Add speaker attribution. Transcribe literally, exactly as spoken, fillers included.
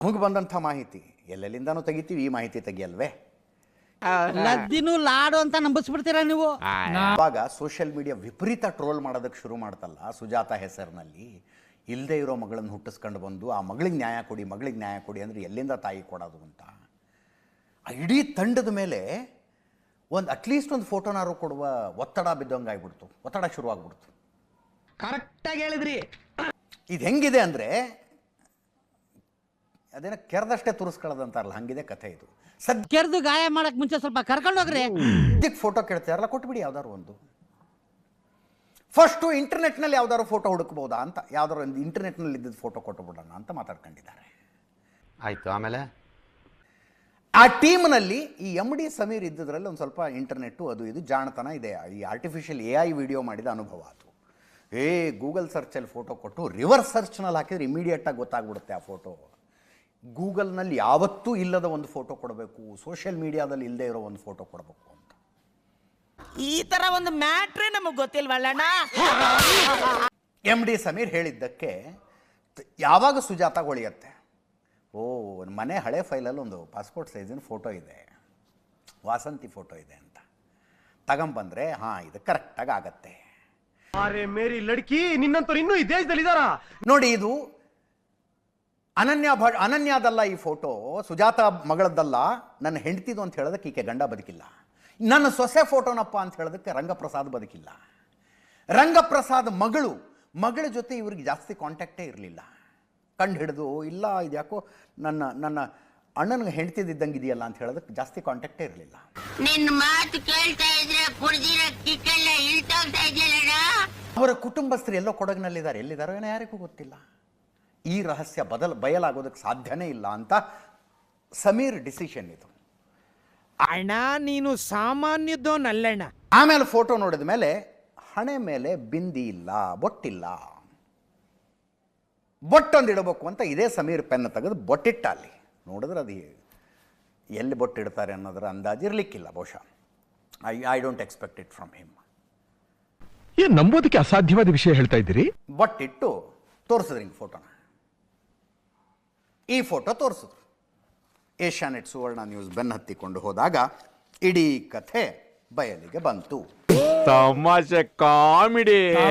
Speaker 1: ನಮಗೆ ಬಂದಂಥ ಮಾಹಿತಿ ಎಲ್ಲೆಲ್ಲಿಂದಾನು ತೆಗಿತೀವಿ, ಈ ಮಾಹಿತಿ ತೆಗಿಯಲ್ವೇ?
Speaker 2: ಲದ್ದಿನೂ ಲಾಡು ಅಂತ ನಂಬಿಸ್ಬಿಡ್ತೀರಾ ನೀವು?
Speaker 1: ಆವಾಗ ಸೋಷಿಯಲ್ ಮೀಡಿಯಾ ವಿಪರೀತ ಟ್ರೋಲ್ ಮಾಡೋದಕ್ಕೆ ಶುರು ಮಾಡ್ತಲ್ಲ, ಸುಜಾತ ಹೆಸರಿನಲ್ಲಿ ಇಲ್ಲದೆ ಇರೋ ಮಗಳನ್ನು ಹುಟ್ಟಿಸ್ಕೊಂಡು ಬಂದು ಆ ಮಗಳಿಗೆ ನ್ಯಾಯ ಕೊಡಿ, ಮಗಳಿಗೆ ನ್ಯಾಯ ಕೊಡಿ ಅಂದರೆ ಎಲ್ಲಿಂದ ತಾಯಿ ಕೊಡೋದು ಅಂತ ಆ ಇಡೀ ತಂಡದ ಮೇಲೆ ಒಂದು ಅಟ್ಲೀಸ್ಟ್ ಒಂದು ಫೋಟೋನಾರು ಕೊಡುವ ಒತ್ತಡ ಬಿದ್ದಂಗೆ ಆಗ್ಬಿಡ್ತು, ಒತ್ತಡ ಶುರುವಾಗ್ಬಿಡ್ತು.
Speaker 3: ಕರೆಕ್ಟಾಗಿ ಹೇಳಿದ್ರಿ.
Speaker 1: ಇದು ಹೆಂಗಿದೆ ಅಂದರೆ ಅದೇನೋ ಕೆರೆದಷ್ಟೇ ತುರಿಸ್ಕೊಳ್ಳೋದಂತಾರಲ್ಲ, ಹಂಗಿದೆ ಕಥೆ ಇದು. ಸದ್ಯ
Speaker 2: ಕೆರೆದು ಗಾಯ ಮಾಡಕ್ ಮುಂಚೆ ಸ್ವಲ್ಪ ಕರ್ಕೊಂಡು ಹೋಗ್ರಿ.
Speaker 1: ಸದ್ಯಕ್ಕೆ ಫೋಟೋ ಕೇಳ್ತಾರಲ್ಲ, ಕೊಟ್ಬಿಡಿ ಯಾವ್ದಾರು ಒಂದು. ಫಸ್ಟು ಇಂಟರ್ನೆಟ್ನಲ್ಲಿ ಯಾವ್ದಾದ್ರು ಫೋಟೋ ಹುಡುಕ್ಬೋದಾ ಅಂತ, ಯಾವ್ದಾರು ಒಂದು ಇಂಟರ್ನೆಟ್ನಲ್ಲಿ ಇದ್ದಿದ್ದು ಫೋಟೋ ಕೊಟ್ಟುಬಿಡೋಣ ಅಂತ ಮಾತಾಡ್ಕೊಂಡಿದ್ದಾರೆ.
Speaker 4: ಆಯಿತು, ಆಮೇಲೆ
Speaker 1: ಆ ಟೀಮ್ನಲ್ಲಿ ಈ ಎಮ್ ಡಿ ಸಮೀರ್ ಇದ್ದಿದ್ರಲ್ಲಿ ಒಂದು ಸ್ವಲ್ಪ ಇಂಟರ್ನೆಟ್ಟು ಅದು ಇದು ಜಾಣತನ ಇದೆ. ಈ ಆರ್ಟಿಫಿಷಿಯಲ್ ಎ ಐ ವಿಡಿಯೋ ಮಾಡಿದ ಅನುಭವ ಅದು. ಏ ಗೂಗಲ್ ಸರ್ಚಲ್ಲಿ ಫೋಟೋ ಕೊಟ್ಟು ರಿವರ್ಸ್ ಸರ್ಚ್ನಲ್ಲಿ ಹಾಕಿದ್ರೆ ಇಮಿಡಿಯೇಟಾಗಿ ಗೊತ್ತಾಗ್ಬಿಡುತ್ತೆ ಆ ಫೋಟೋ. ಗೂಗಲ್ನಲ್ಲಿ ಯಾವತ್ತೂ ಇಲ್ಲದ ಒಂದು ಫೋಟೋ ಕೊಡಬೇಕು, ಸೋಷಿಯಲ್ ಮೀಡಿಯಾದಲ್ಲಿ ಇಲ್ಲದೆ ಇರೋ ಒಂದು ಫೋಟೋ ಕೊಡಬೇಕು ಅಂತ.
Speaker 3: ಈ ತರ ಒಂದು ಮ್ಯಾಟ್ರೇ ನಮಗೆ ಗೊತ್ತಿಲ್ವಲ್ಲಣ್ಣ.
Speaker 1: ಎಮ್ ಡಿ ಸಮೀರ್ ಹೇಳಿದ್ದಕ್ಕೆ ಯಾವಾಗ ಸುಜಾತ ಹೊಳಿಯತ್ತೆ, ಓ ಒಂದು ಮನೆ ಹಳೆ ಫೈಲಲ್ಲಿ ಒಂದು ಪಾಸ್ಪೋರ್ಟ್ ಸೈಜಿನ ಫೋಟೋ ಇದೆ, ವಾಸಂತಿ ಫೋಟೋ ಇದೆ ಅಂತ ತಗೊಂಬಂದ್ರೆ ಹಾಂ ಇದು ಕರೆಕ್ಟಾಗಿ ಆಗತ್ತೆ.
Speaker 5: ಅರೆ ಮೇರಿ ಲಡ್ಕಿ, ನಿನ್ನಂತವ್ರು ಇನ್ನೂ ಈ ದೇಶದಲ್ಲಿ ಇದಾರ
Speaker 1: ನೋಡಿ, ಇದು ಅನನ್ಯ ಭ ಅನನ್ಯಾದಲ್ಲ ಈ ಫೋಟೋ, ಸುಜಾತ ಮಗಳದ್ದಲ್ಲ, ನನ್ನ ಹೆಂಡತಿದು ಅಂತ ಹೇಳೋದಕ್ಕೆ ಈಕೆ ಗಂಡ ಬದುಕಿಲ್ಲ. ನನ್ನ ಸೊಸೆ ಫೋಟೋನಪ್ಪ ಅಂತ ಹೇಳೋದಕ್ಕೆ ರಂಗಪ್ರಸಾದ್ ಬದುಕಿಲ್ಲ. ರಂಗಪ್ರಸಾದ್ ಮಗಳು ಮಗಳ ಜೊತೆ ಇವ್ರಿಗೆ ಜಾಸ್ತಿ ಕಾಂಟ್ಯಾಕ್ಟೇ ಇರಲಿಲ್ಲ. ಕಂಡು ಹಿಡಿದು ಇಲ್ಲ ಇದು ಯಾಕೋ ನನ್ನ ನನ್ನ ಅಣ್ಣನಿಗೆ ಹೆಂಡ್ತಿದ್ದಂಗೆ ಇದೆಯಲ್ಲ ಅಂತ ಹೇಳೋದಕ್ಕೆ ಜಾಸ್ತಿ ಕಾಂಟ್ಯಾಕ್ಟೇ ಇರಲಿಲ್ಲ.
Speaker 6: ನಿನ್ನ ಮಾತು ಕೇಳ್ತಾ ಇದ್ರೆ ಕುಡ್ದಿರೋ ಕಿಕ್ಕೆಲ್ಲ ಇಳ್ತೋಗ್ತಾ ಇದೆಯಲ್ಲ.
Speaker 1: ಅವರ ಕುಟುಂಬಸ್ಥರು ಎಲ್ಲೋ ಕೊಡಗಿನಲ್ಲಿದ್ದಾರೆ, ಎಲ್ಲಿದ್ದಾರೋ ಏನೋ ಯಾರಿಗೂ ಗೊತ್ತಿಲ್ಲ. ಈ ರಹಸ್ಯ ಬದಲು ಬಯಲಾಗೋದಕ್ಕೆ ಸಾಧ್ಯನೇ ಇಲ್ಲ ಅಂತ ಸಮೀರ್ ಡಿಸಿಷನ್ ಇದು.
Speaker 3: ಅಣ್ಣ ನೀನು ಸಾಮಾನ್ಯದೋನಲ್ಲಣ್ಣ.
Speaker 1: ಆಮೇಲೆ ಫೋಟೋ ನೋಡಿದ ಮೇಲೆ ಹಣೆ ಮೇಲೆ ಬಿಂದಿ ಇಲ್ಲ, ಬೊಟ್ಟಿಲ್ಲ, ಬೊಟ್ಟೊಂದು ಇಡಬೇಕು ಅಂತ ಇದೇ ಸಮೀರ್ ಪೆನ್ ತೆಗೆದು ಬೊಟ್ಟಿಟ್ಟ. ಅಲ್ಲಿ ನೋಡಿದ್ರೆ ಅದು ಎಲ್ಲಿ ಬೊಟ್ಟಿಡ್ತಾರೆ ಅನ್ನೋದರ ಅಂದಾಜು ಇರಲಿಕ್ಕಿಲ್ಲ ಬಹುಶಃ. I I don't expect it from him.
Speaker 5: ಏನ್ ನಂಬೋದಕ್ಕೆ ಅಸಾಧ್ಯವಾದ ವಿಷಯ ಹೇಳ್ತಾ ಇದ್ದೀರಿ?
Speaker 1: ಬೊಟ್ಟಿಟ್ಟು ತೋರಿಸಿದ್ರಿ ಹಿಂಗೆ ಫೋಟೋನ. ಈ ಫೋಟೋ ತೋರಿಸಿದ್ರು. ಏಷ್ಯಾನೆಟ್ ಸುವರ್ಣ ನ್ಯೂಸ್ ಬೆನ್ನ ಹತ್ತಿಕೊಂಡು ಹೋದಾಗ ಇಡೀ ಕಥೆ ಬಯಲಿಗೆ ಬಂತು.
Speaker 4: ತಮಾಷೆ ಕಾಮಿಡಿ.